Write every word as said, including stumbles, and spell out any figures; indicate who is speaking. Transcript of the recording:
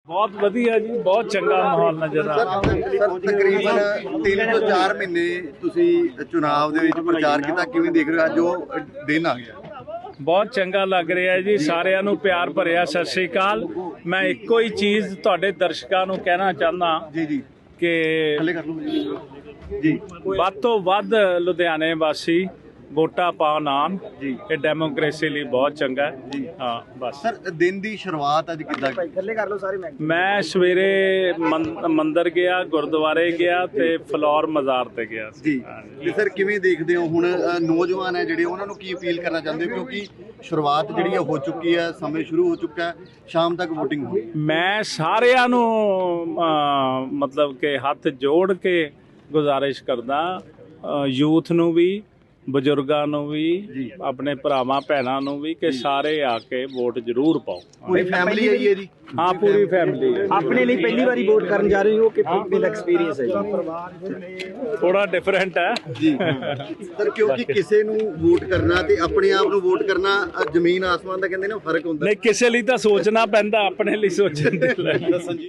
Speaker 1: बहुत वधिया जी, बहुत चंगा माहौल नजर आ रहा
Speaker 2: ਤਕਰੀਬਨ ਤਿੰਨ ਤੋਂ ਚਾਰ ਮਹੀਨੇ ਤੁਸੀਂ ਚੁਣਾਵ ਦੇ ਵਿੱਚ ਪ੍ਰਚਾਰ ਕੀਤਾ, ਕਿਵੇਂ ਦੇਖ ਰਹੇ ਹੋ ਅੱਜ ਉਹ ਦਿਨ ਆ ਗਿਆ?
Speaker 1: ਬਹੁਤ ਚੰਗਾ ਲੱਗ ਰਿਹਾ ਹੈ ਜੀ। ਸਾਰਿਆਂ ਨੂੰ ਪਿਆਰ ਭਰਿਆ ਸਤਿ ਸ੍ਰੀ ਅਕਾਲ। ਮੈਂ ਇੱਕੋ ਹੀ ਚੀਜ਼ ਤੁਹਾਡੇ ਦਰਸ਼ਕਾਂ ਨੂੰ ਕਹਿਣਾ ਚਾਹੁੰਦਾ
Speaker 2: ਜੀ ਜੀ
Speaker 1: ਕਿ
Speaker 2: ਥੱਲੇ ਕਰ ਲਓ ਜੀ।
Speaker 1: ਵੱਧ ਤੋਂ ਵੱਧ ਲੁਧਿਆਣੇ ਵਾਸੀ ਵੋਟਾਂ ਪਾਉਣ ਆਉਣ ਜੀ। ਇਹ ਡੈਮੋਕ੍ਰੇਸੀ ਲਈ ਬਹੁਤ ਚੰਗਾ ਹੈ ਜੀ। ਹਾਂ ਬਸ
Speaker 2: ਸਰ ਦਿਨ ਦੀ ਸ਼ੁਰੂਆਤ ਅੱਜ ਕਿੱਦਾਂ?
Speaker 3: ਥੱਲੇ ਕਰ ਲਓ ਸਾਰੇ ਮੈਂ
Speaker 1: ਮੈਂ ਸਵੇਰੇ ਮੰ- ਮੰਦਿਰ ਗਿਆ, ਗੁਰਦੁਆਰੇ ਗਿਆ ਤੇ ਫਲੋਰ ਮਜ਼ਾਰ ਤੇ ਗਿਆ ਸੀ।
Speaker 2: ਜੀ ਤੇ ਸਰ ਕਿਵੇਂ ਦੇਖਦੇ ਹੋ ਹੁਣ ਅ, ਨੌਜਵਾਨ ਹੈ ਜਿਹੜੇ ਉਹਨਾਂ ਨੂੰ ਕੀ ਅਪੀਲ ਕਰਨਾ ਚਾਹੁੰਦੇ ਹੋ, ਕਿਉਂਕਿ ਸ਼ੁਰੂਆਤ ਜਿਹੜੀ ਹੈ ਹੋ ਚੁੱਕੀ ਹੈ, ਸਮੇਂ ਸ਼ੁਰੂ ਹੋ ਚੁੱਕਾ ਹੈ, ਸ਼ਾਮ ਤੱਕ VOTING ਹੋਣੀ?
Speaker 1: ਮੈਂ ਸਾਰਿਆਂ ਨੂੰ ਅਹ, ਮਤਲਬ ਕਿ ਹੱਥ ਜੋੜ ਕੇ ਗੁਜ਼ਾਰਿਸ਼ ਕਰਦਾ, ਯੂਥ ਨੂੰ ਵੀ, ਬਜ਼ੁਰਗਾਂ ਨੂੰ ਵੀ, ਆਪਣੇ ਭਰਾਵਾਂ ਭੈਣਾਂ ਨੂੰ ਵੀ, ਕਿ ਸਾਰੇ ਆ ਕੇ ਵੋਟ ਜ਼ਰੂਰ ਪਾਓ।
Speaker 2: ਪੂਰੀ ਫੈਮਿਲੀ ਆਈ ਹੈ ਜੀ?
Speaker 1: ਹਾਂ ਪੂਰੀ ਫੈਮਿਲੀ।
Speaker 3: ਆਪਣੇ ਲਈ ਪਹਿਲੀ ਵਾਰੀ ਵੋਟ ਕਰਨ ਜਾ ਰਹੇ ਹੋ ਕਿ ਮੇਰਾ ਐਕਸਪੀਰੀਅੰਸ ਹੈ ਜੀ?
Speaker 1: ਥੋੜਾ ਡਿਫਰੈਂਟ ਹੈ
Speaker 2: ਜੀ ਸਰ, ਕਿਉਂਕਿ ਕਿਸੇ ਨੂੰ ਵੋਟ ਕਰਨਾ ਤੇ ਆਪਣੇ ਆਪ ਨੂੰ ਵੋਟ ਕਰਨਾ ਅ, ਜ਼ਮੀਨ ਆਸਮਾਨ ਦਾ ਕਹਿੰਦੇ ਨੇ ਫਰਕ ਹੁੰਦਾ।
Speaker 1: ਨਹੀਂ, ਕਿਸੇ ਲਈ ਤਾਂ ਸੋਚਣਾ ਪੈਂਦਾ, ਆਪਣੇ ਲਈ ਸੋਚਣ ਦੇ ਲਈ।